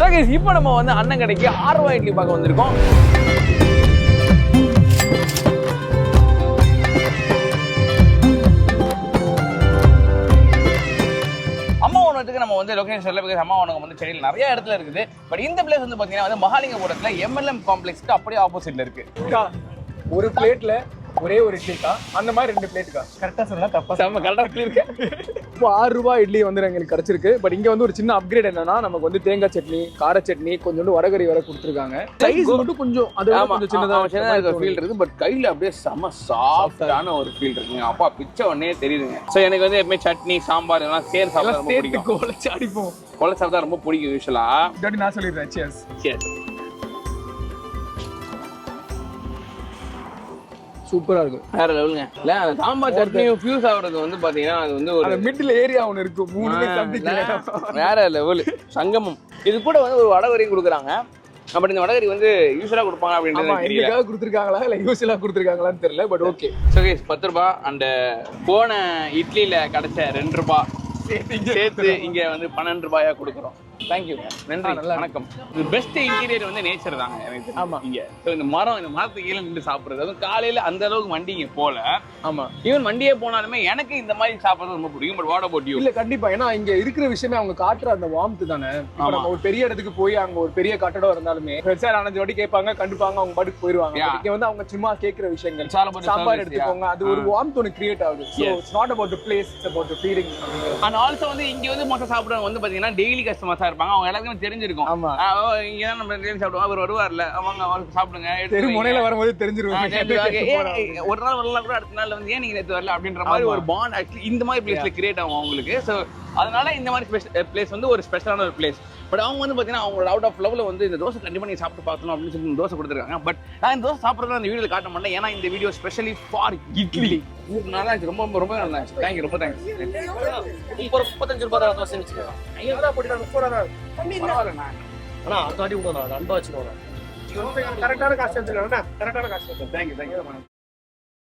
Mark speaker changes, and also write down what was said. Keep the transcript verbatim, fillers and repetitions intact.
Speaker 1: So guys இப்போ நம்ம வந்து அண்ணன் கடைக்கு ஆறு ரூபாய் இட்லி பார்க்க வந்திருக்கோம். அம்மா உணவகத்துக்கு நம்ம வந்து லொகேஷன் சொல்ல, பிகாஸ் அம்மா உணவகம் வந்து சென்னையில் நிறைய இடத்துல இருக்குது. பட் இந்த பிளேஸ் வந்து பார்த்தீங்கன்னா வந்து மகாலிங்கபுரத்தில் எம்எல்எம் காம்ப்ளெக்ஸ்க்கு அப்படியே ஆப்போசிட்ல இருக்கு.
Speaker 2: ஒரு பிளேட்ல ஒரே ஒரு இட்லிக்கா, அந்த மாதிரி ரெண்டு பிளேட்டுக்கா? கரெக்டா சொன்னா தப்பா?
Speaker 1: நம்ம கரெக்டாக இருக்கு.
Speaker 2: இப்போ ஆறு ரூபாய் இட்லி வந்து எங்களுக்கு கிடைச்சிருக்கு. பட் இங்க வந்து ஒரு சின்ன அப்கிரேட் என்னன்னா, நமக்கு வந்து தேங்காய் சட்னி, கார சட்னி, கொஞ்சோண்டு வரகரி வர கொடுத்துருக்காங்க. சைஸ் மட்டும் கொஞ்சம் அது கொஞ்சம் சின்னதா
Speaker 1: சின்னதா இருக்க ஃபீல் இருக்கு. பட் கையில அப்படியே செம சாஃப்டான ஒரு ஃபீல் இருக்குங்க. அப்பா பிச்சை உடனே தெரியுதுங்க. ஸோ எனக்கு வந்து எப்பவுமே சட்னி, சாம்பார் இதெல்லாம் சேர் சாப்பிட ரொம்ப பிடிக்கும்.
Speaker 2: கொலைச்சு அடிப்போம்.
Speaker 1: கொலை சாப்பிட்டா ரொம்ப பிடிக்கும் யூஸ்வலா.
Speaker 2: இதாட்டி நான் சொல்லிடுறேன். சியர்ஸ்.
Speaker 1: சியர்ஸ்.
Speaker 2: சூப்பரா இருக்கும்.
Speaker 1: வேற லெவலுங்க. இல்ல அந்த சாம்பார் சட்னியும் ஃபியூஸ் ஆகுறது வந்து பாத்தீங்கன்னா அது வந்து ஒரு
Speaker 2: மிடில் ஏரியா ஒன்று இருக்கு. மூணுமே சம்திங்
Speaker 1: வேற லெவல் சங்கமம். இது கூட வந்து ஒரு வடகரியும் கொடுக்குறாங்க. பட் இந்த வடகரி வந்து யூஸ்வலா கொடுப்பாங்க அப்படின்றது
Speaker 2: தெரியல. கொடுத்துருக்காங்களா இல்ல யூஸ்வலா கொடுத்துருக்காங்களான்னு தெரியல. But okay.
Speaker 1: ஸோ கைஸ் பத்து ரூபாய் அண்ட் போன இட்லியில கிடைச்ச ரெண்டு ரூபாய் சேர்த்து இங்க வந்து பன்னெண்டு ரூபாயா கொடுக்குறோம். தேங்க்யூ, நன்றி, வணக்கம். இது பெஸ்ட் இன்டீரியர் வந்து நேச்சர் தாங்க எனக்கு. ஆமா, இங்க இந்த மரம், இந்த மரத்துக்கு கீழே நின்று சாப்பிடுறது, அதுவும் காலையில அந்த அளவுக்கு வண்டிங்க போல. ஆமா, ஈவன் வண்டியே போனாலுமே எனக்கு இந்த மாதிரி சாப்பிடுறது ரொம்ப பிடிக்கும். But what about you?
Speaker 2: இல்ல கண்டிப்பா, ஏன்னா இங்க இருக்கிற விஷயமே அவங்க காட்டுற அந்த வார்ம்த் தானே. நம்ம ஒரு பெரிய இடத்துக்கு போய் அங்க ஒரு பெரிய கட்டடம் இருந்தாலுமே சார் அஞ்சு வாட்டி கேட்பாங்க, கண்டுப்பாங்க, அவங்க பாட்டுக்கு போயிருவாங்க. இங்க வந்து அவங்க சும்மா கேட்கிற விஷயங்கள், சாம்பார் எடுத்துக்கோங்க, அது ஒரு வார்ம்த் ஒன்று கிரியேட் ஆகுது. So it's not about the place, it's about the feeling.
Speaker 1: And also வந்து இங்க வந்து மொத்தம் சாப்பிடுறவங்க வந்து பாத்தீங்கன்னா டெய்லி கஸ்டமர்ஸா இருப்பாங்க. அவங்க எல்லாருக்குமே தெரிஞ்சிருக்கும். இங்க தான் நம்ம டெய்லி சாப்பிடுவோம், அவர் வருவார்ல, அவங்க அவருக்கு சாப்பிடுங்க,
Speaker 2: தெரு முனையில வரும்போது தெரிஞ்சிருவாங்க.
Speaker 1: ஒரு நாள் வரலாம் கூட, அடுத்த நாள் வந்து ஏன் நீங்க நேற்று வரல அப்படின்ற மாதிரி ஒரு பாண்ட் ஆக்சுவலி இந்த மாதிரி பிளேஸ்ல கிரியேட் ஆகும் அவங்களுக்கு. ஸோ அதனால இந்த மாதிரி பிளேஸ் வந்து ஒரு ஸ்பெஷலான ஒரு பிளேஸ். பட் அவங்க வந்து பார்த்தீங்கன்னா அவங்களோட அவுட் ஆஃப் லெவலில் வந்து இந்த தோசை கண்டிப்பாக நீங்கள் சாப்பிட்டு பார்க்கணும் அப்படின்னு சொல்லி தோசை கொடுத்துருக்காங்க. பட் நான் இந்த தோசை சாப்பிட்றத அந்த வீடியோவில் காட்ட மாட்டேன், ஏன்னா இந்த வீடியோ ஸ்பெஷலி ஃபார் இட்லி. நல்லா இருந்துச்சு, ரொம்ப ரொம்ப நல்லா இருந்துச்சு. தேங்க்யூ, ரொம்ப தேங்க்ஸ்.
Speaker 3: ஒரு முப்பத்தஞ்சு ரூபாய் தான் தோசை வச்சுக்கலாம். ஐயா போட்டு முப்பது ரூபா
Speaker 1: பரவாயில்லண்ணா.
Speaker 3: ஆனால் அடுத்த வாட்டி விடணும், அன்பா வச்சுக்கணும்.
Speaker 2: கரெக்டான காசு வச்சுக்கோங்க. கரெக்டான காசு.
Speaker 1: Thank you, thank you.